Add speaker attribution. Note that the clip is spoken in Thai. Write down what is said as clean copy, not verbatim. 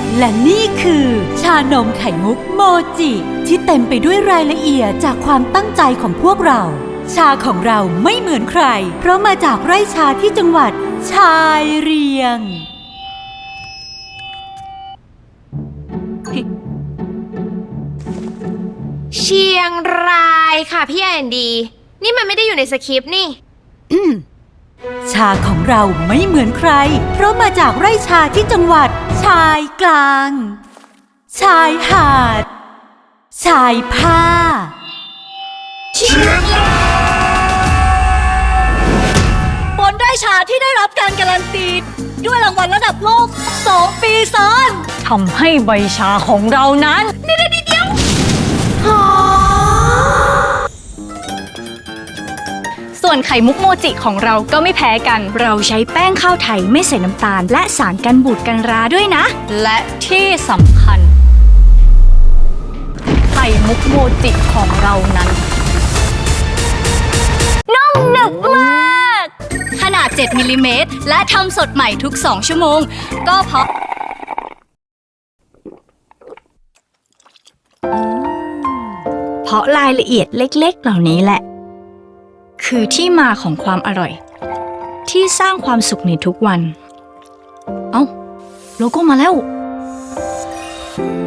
Speaker 1: และนี่คือชานมไข่มุกโมจิที่เต็มไปด้วยรายละเอียดจากความตั้งใจของพวกเราชาของเราไม่เหมือนใครเพราะมาจากไร่ชาที่จังหวัดชายเรียง
Speaker 2: เชียงรายค่ะพี่แอนดีนี่มันไม่ได้อยู่ในสคริปต์นี่
Speaker 1: ชาของเราไม่เหมือนใครเพราะมาจากไร่ชาที่จังหวัดชายกลางชายหาดชายผ้าเชียงราย
Speaker 3: บนไร่ชาที่ได้รับการการันตีด้วยรางวัลระดับโลก2 ปีซ้อนทำให้ใบชาของเรานั้นเดี๋ยวส่วนไข่มุกโมจิของเราก็ไม่แพ้กันเราใช้แป้งข้าวไทยไม่ใส่น้ำตาลและสารกันบูดกันราด้วยนะและที่สำคัญไข่มุกโมจิของเรานั้นนุ่มหนึบมากขนาด7 มิลลิเมตรและทำสดใหม่ทุก2 ชั่วโมงก็เพราะรายละเอียดเล็กๆเหล่านี้แหละคือที่มาของความอร่อยที่สร้างความสุขในทุกวันเอ้าโลโก้มาแล้ว